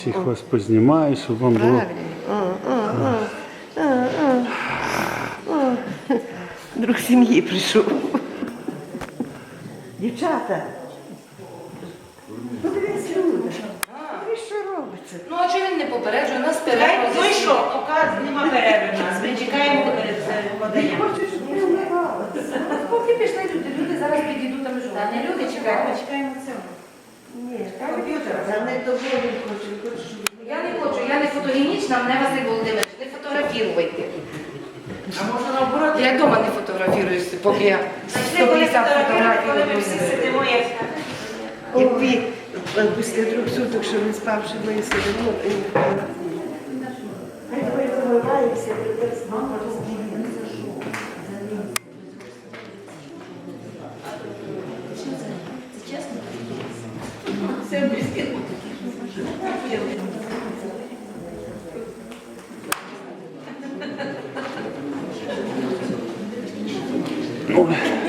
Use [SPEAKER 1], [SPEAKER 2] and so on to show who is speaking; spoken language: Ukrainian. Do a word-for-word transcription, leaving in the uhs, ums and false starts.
[SPEAKER 1] Всіх вас познімаю, щоб вам було.
[SPEAKER 2] Правильно. О, о, о, о, о. Друг сім'ї прийшов. Дівчата. Подивись, люди. Подивись, що робиться.
[SPEAKER 3] Ну, а чого він не попереджує? Нас перерва.
[SPEAKER 4] Ну і що, поки нема перерви в нас, ми чекаємо перед поданням.
[SPEAKER 2] Хочу, щоб не вмивалася.
[SPEAKER 3] Поки пішли люди, люди зараз підійдуть там живуть.
[SPEAKER 4] Та не люди чекаємо, ми чекаємо цього.
[SPEAKER 2] Ні, комп'ютер. За не того він хоче, він хоче, щоб...
[SPEAKER 3] Я не хочу, я не фотогенічна, мене Василь Володимирович, не фотографірувати.
[SPEAKER 4] А може наоборот?
[SPEAKER 3] Я вдома не фотографіруюсь, поки я
[SPEAKER 4] Зайшли, коли
[SPEAKER 3] сто п'ятдесят
[SPEAKER 4] фотографувати, коли ми
[SPEAKER 3] фотографій.
[SPEAKER 4] всі сидимо, як...
[SPEAKER 2] Якби е, після трьох суток, що не спавши, ми сидимо, і не фотографуємо. Хай давай помиваємося, тепер з мама розділимося.
[SPEAKER 1] Ой.